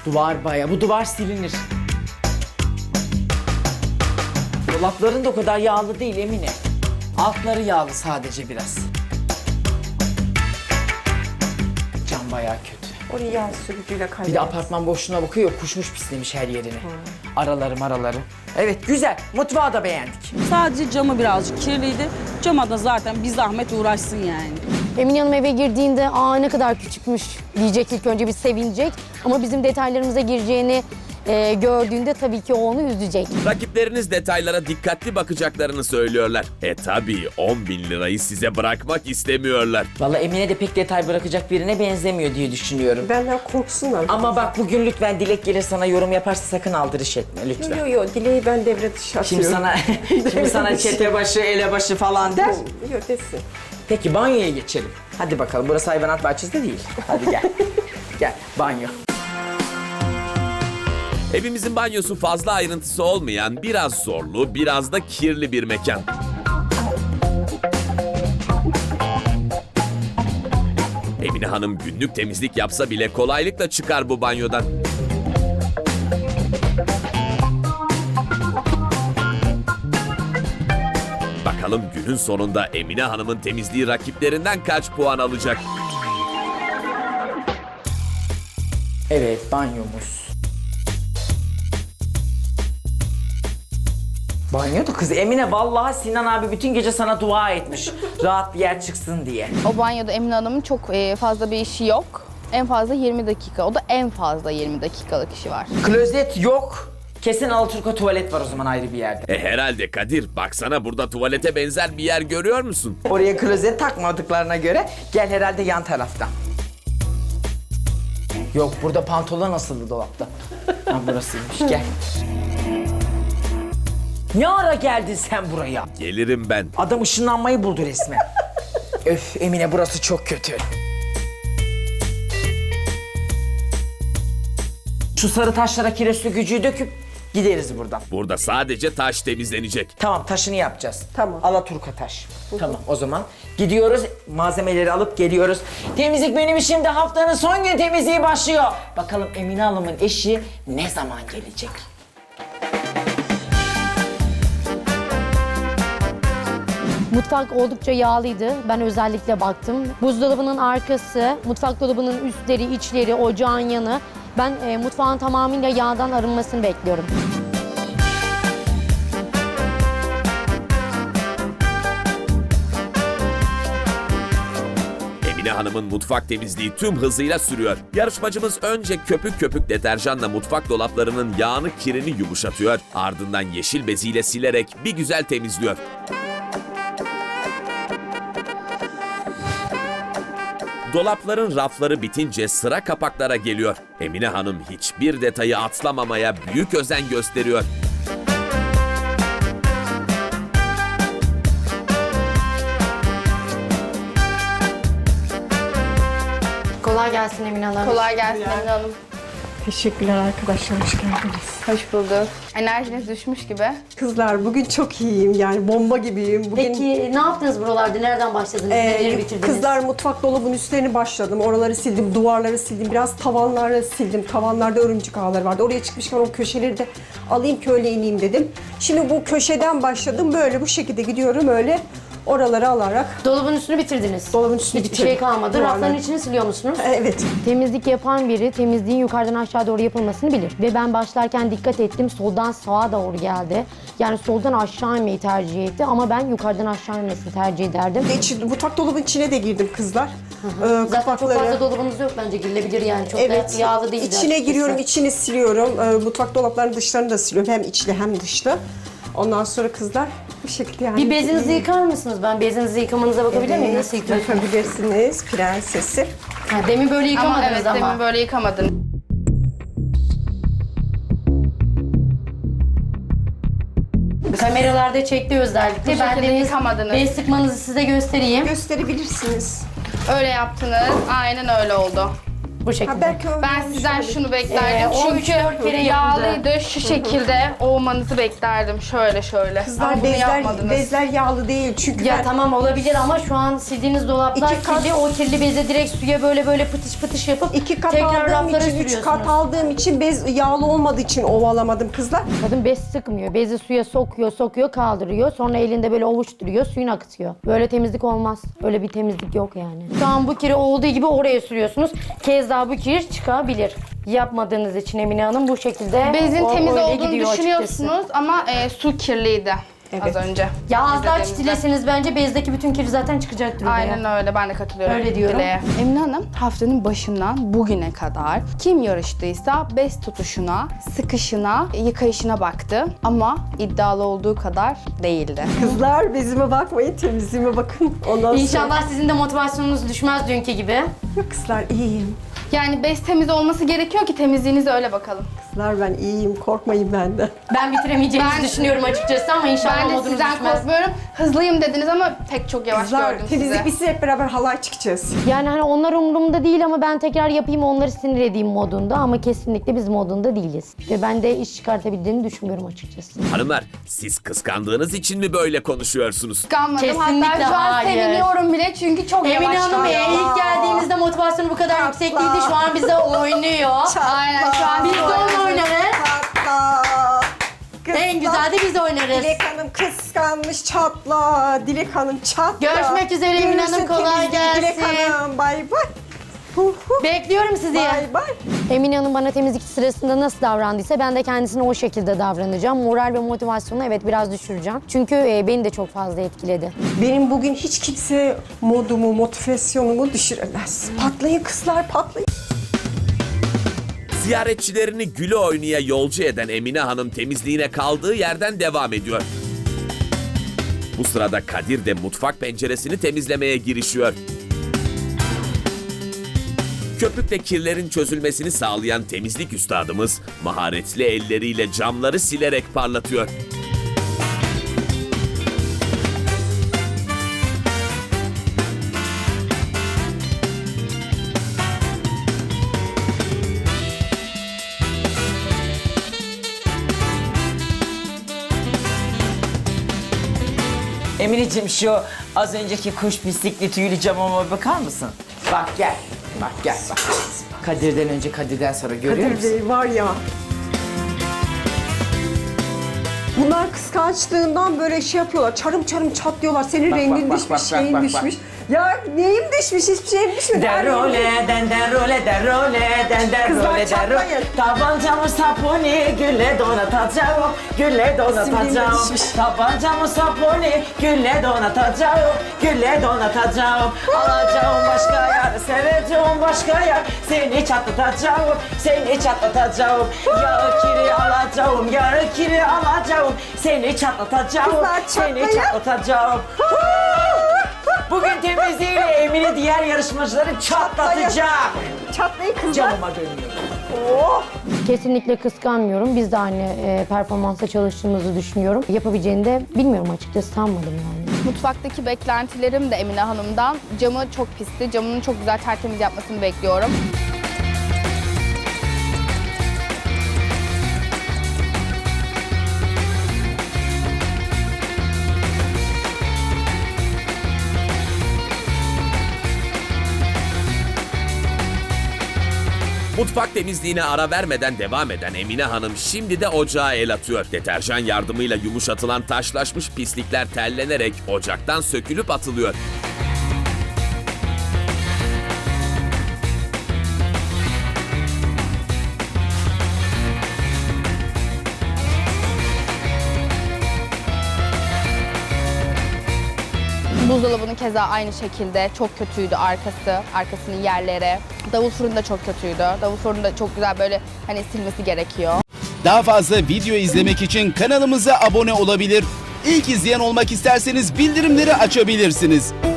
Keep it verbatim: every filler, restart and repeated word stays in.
Duvar bayağı. Bu duvar silinir. Dolapların da o kadar yağlı değil Emine. Altları yağlı sadece biraz. Cam bayağı kötü. Orayı yağ sürücüyle kaydederiz. Bir de apartman boşluğuna bakıyor, kuşmuş pislemiş her yerini. Araları maraları. Evet güzel, mutfağı da beğendik. Sadece camı birazcık kirliydi. Cama da zaten bir zahmet uğraşsın yani. Emine Hanım eve girdiğinde aa ne kadar küçükmüş diyecek, ilk önce bir sevinecek. Ama bizim detaylarımıza gireceğini e, gördüğünde tabii ki o onu üzecek. Rakipleriniz detaylara dikkatli bakacaklarını söylüyorlar. E tabii on bin lirayı size bırakmak istemiyorlar. Vallahi Emine de pek detay bırakacak birine benzemiyor diye düşünüyorum. Benden korksunlar. Ama bak bugün lütfen Dilek gelir sana yorum yaparsa sakın aldırış etme lütfen. Yo yo Dileği ben devre dışı Şimdi atıyorum. sana şimdi sana çete başı, ele başı falan der. Yo desin. Peki banyoya geçelim. Hadi bakalım, burası hayvanat bahçesi de değil. Hadi gel. Gel banyo. Evimizin banyosu fazla ayrıntısı olmayan, biraz zorlu, biraz da kirli bir mekan. Emine Hanım günlük temizlik yapsa bile kolaylıkla çıkar bu banyodan. Bakalım günün sonunda Emine Hanım'ın temizliği rakiplerinden kaç puan alacak? Evet banyomuz. Banyo da kız Emine, vallahi Sinan abi bütün gece sana dua etmiş. Rahat bir yer çıksın diye. O banyoda Emine Hanım'ın çok e, fazla bir işi yok. En fazla yirmi dakika. O da en fazla yirmi dakikalık işi var. Klozet yok. Kesin Alaturka tuvalet var o zaman ayrı bir yerde. E herhalde Kadir, baksana burada tuvalete benzer bir yer görüyor musun? Oraya klozet takmadıklarına göre gel herhalde yan taraftan. Yok burada pantolon asıldı dolapta. Ha burasıymış gel. Ne ara geldin sen buraya? Gelirim ben. Adam ışınlanmayı buldu resmen. Öf Emine burası çok kötü. Şu sarı taşlara kireçli gücüyü döküp gideriz buradan. Burada sadece taş temizlenecek. Tamam taşını yapacağız. Tamam. Alaturka taş. Tamam o zaman gidiyoruz, malzemeleri alıp geliyoruz. Temizlik benim işimde, haftanın son gün temizliği başlıyor. Bakalım Emine Hanım'ın eşi ne zaman gelecek? Mutfak oldukça yağlıydı. Ben özellikle baktım. Buzdolabının arkası, mutfak dolabının üstleri, içleri, ocağın yanı. Ben e, mutfağın tamamıyla yağdan arınmasını bekliyorum. Emine Hanım'ın mutfak temizliği tüm hızıyla sürüyor. Yarışmacımız önce köpük köpük deterjanla mutfak dolaplarının yağını, kirini yumuşatıyor. Ardından yeşil beziyle silerek bir güzel temizliyor. Dolapların rafları bitince sıra kapaklara geliyor. Emine Hanım hiçbir detayı atlamamaya büyük özen gösteriyor. Kolay gelsin Emine Hanım. Kolay gelsin Emine Hanım. Teşekkürler arkadaşlar, hoş geldiniz. Hoş bulduk. Enerjiniz düşmüş gibi. Kızlar bugün çok iyiyim yani bomba gibiyim. Bugün Peki ne yaptınız buralarda? Nereden başladınız? Ee, Neleri bitirdiniz? kızlar mutfak dolabının üstlerini başladım. Oraları sildim, duvarları sildim. Biraz tavanları sildim. Tavanlarda örümcek ağları vardı. Oraya çıkmışken o köşeleri de alayım ki öyle ineyim dedim. Şimdi bu köşeden başladım. Böyle bu şekilde gidiyorum öyle. Oraları alarak. Dolabın üstünü bitirdiniz. Dolabın üstünü Hiçbir bitirdim. şey kalmadı. Duvarlar. Rafların içini siliyor musunuz? Evet. Temizlik yapan biri temizliğin yukarıdan aşağı doğru yapılmasını bilir. Ve ben başlarken dikkat ettim, soldan sağa doğru geldi. Yani soldan aşağı inmeyi tercih etti ama ben yukarıdan aşağı inmesini tercih ederdim. İç, mutfak dolabının içine de girdim kızlar. Ee, Zaten çok kapakları. fazla dolabınız yok bence, girilebilir yani. Çok Evet. da yağlı değil. İçine açıkçası. giriyorum, içini siliyorum. Ee, mutfak dolaplarının dışlarını da siliyorum. Hem içli hem dışlı. Ondan sonra kızlar bu şekilde yani. Bir bezinizi yıkar mısınız? Ben bezinizi yıkamanıza bakabilir miyim? Evet, Nasıl yıkıyorsunuz? yapabilirsiniz prensesim. Ha, demin böyle Ama yıkamadınız evet ama. demin böyle yıkamadın. Kameralarda çekti özellikle. Bu Ben şekilde de bez, yıkamadınız. bez sıkmanızı size göstereyim. Gösterebilirsiniz. Öyle yaptınız. Aynen öyle oldu. Bu şekilde. Ha, belki öyle Ben olmuş sizden olabilir. şunu beklerdim. Ee, on üç Çünkü dört kere yağlıydı. Şu şekilde olmanızı beklerdim. Şöyle şöyle. Ama Kızlar bunu bezler, yapmadınız. bezler yağlı değil çünkü Ya ben tamam olabilir ama şu an sildiğiniz dolaplar İki kat- kirli. O kirli bezi direkt suya böyle böyle pıtış pıtış yapıp iki kat tekrar aldığım raflara için, üç sürüyorsunuz. kat aldığım için bez yağlı olmadığı için ovalamadım kızlar. Kadın bez sıkmıyor. Bezi suya sokuyor, sokuyor, kaldırıyor. Sonra elinde böyle ovuşturuyor, suyunu akıtıyor. Böyle temizlik olmaz. Öyle bir temizlik yok yani. Şu an bu kiri olduğu gibi oraya sürüyorsunuz. Kez daha bu kir çıkabilir. Yapmadığınız için Emine Hanım bu şekilde Bezin o- temiz öyle olduğunu gidiyor düşünüyorsunuz açıkçası. ama e, su kirliydi Evet. az önce. Ya az daha İzlediğimizde. çitileseniz bence bezdeki bütün kir zaten çıkacaktır oraya. Aynen öyle, ben de katılıyorum. Öyle diyorum. Dileğe. Emine Hanım haftanın başından bugüne kadar kim yarıştıysa bez tutuşuna, sıkışına, yıkayışına baktı. Ama iddialı olduğu kadar değildi. Kızlar bezime bakmayın, temizliğime bakın. Ondan sonra... İnşallah sizin de motivasyonunuz düşmez dünkü gibi. Yok kızlar iyiyim. Yani bez temiz olması gerekiyor ki temizliğinize öyle bakalım. Kızlar ben iyiyim, korkmayın benden. Ben bitiremeyeceğinizi Ben- düşünüyorum açıkçası ama inşallah Ben de modunuz sizden düşmez. korkmuyorum. Hızlıyım dediniz ama pek çok yavaş Kızlar gördüm temizlik sizi. bitsin hep beraber halay çıkacağız. Yani hani onlar umurumda değil ama ben tekrar yapayım onları sinir edeyim modunda ama kesinlikle biz modunda değiliz. Ve ben de iş çıkartabildiğini düşünmüyorum açıkçası. Hanımlar, siz kıskandığınız için mi böyle konuşuyorsunuz? Kıskanmadım. Kesinlikle Hatta şu an hayır. seviniyorum bile çünkü çok Emine yavaş Hanım gidiyor. e, ilk geldiğinizde motivasyonu bu kadar yüksek değildi. Şu an bize oynuyor. Aynen şu an Biz de onunla oynarız. Çatla. En güzel de biz oynarız. Dilek Hanım kıskanmış çatla. Dilek Hanım çatla. Görüşmek üzere Emine Hanım, Görürsün kolay temizliği Dilek gelsin. Hanım bay bay. Hu hu. Bekliyorum sizi. Bay bay. Emine Hanım bana temizlik sırasında nasıl davrandıysa ben de kendisine o şekilde davranacağım. Moral ve motivasyonu evet biraz düşüreceğim. Çünkü e, beni de çok fazla etkiledi. Benim bugün hiç kimse modumu, motivasyonumu düşüremez. Patlayın kızlar patlayın. Ziyaretçilerini güle oynaya yolcu eden Emine Hanım temizliğine kaldığı yerden devam ediyor. Bu sırada Kadir de mutfak penceresini temizlemeye girişiyor. Köpükle kirlerin çözülmesini sağlayan temizlik üstadımız maharetli elleriyle camları silerek parlatıyor. Emineciğim şu az önceki kuş bisikli tüylü camıma bakar mısın? Bak gel. Bak gel bak. Kadir'den önce Kadir'den sonra görüyor Kadir musun? Bey var ya. Bunlar kıskançlığından böyle şey yapıyorlar. Çarım çarım çatlıyorlar. Senin Bak, rengin bak, düşmüş, bak, bak, şeyin bak, bak. düşmüş. Ya neyim düşmüş? Hiçbir şeyim düşmedi. Her yerim- Derole, den derole, derole, den derole, Kızlar derole. çatlayın. Tabancamı saponi, gülle donatacağım, gülle donatacağım. Simliğime düşmüş. Tabancamı saponi, gülle donatacağım, gülle donatacağım. Alacağım başka yer, seveceğim başka yer. Seni çatlatacağım, seni çatlatacağım. Yağı kiri alacağım, yağı kiri alacağım. Seni çatlatacağım, Kızlar seni çatlayın. çatlatacağım. Bugün temizliğiyle Emine diğer yarışmacıları çatlatacak. Çatlayın kızlar. Camıma dönüyor. Oh! Kesinlikle kıskanmıyorum. Biz de aynı e, performansa çalıştığımızı düşünüyorum. Yapabileceğini de bilmiyorum açıkçası, sanmadım yani. Mutfaktaki beklentilerim de Emine Hanım'dan. Camı çok pisti. Camını çok güzel tertemiz yapmasını bekliyorum. Mutfak temizliğine ara vermeden devam eden Emine Hanım şimdi de ocağa el atıyor. Deterjan yardımıyla yumuşatılan taşlaşmış pislikler tellenerek ocaktan sökülüp atılıyor. Buzdolabının keza aynı şekilde çok kötüydü arkası, arkasının yerleri. Davul fırını da çok kötüydü. Davul fırını da çok güzel böyle hani silmesi gerekiyor. Daha fazla video izlemek için kanalımıza abone olabilir. İlk izleyen olmak isterseniz bildirimleri açabilirsiniz.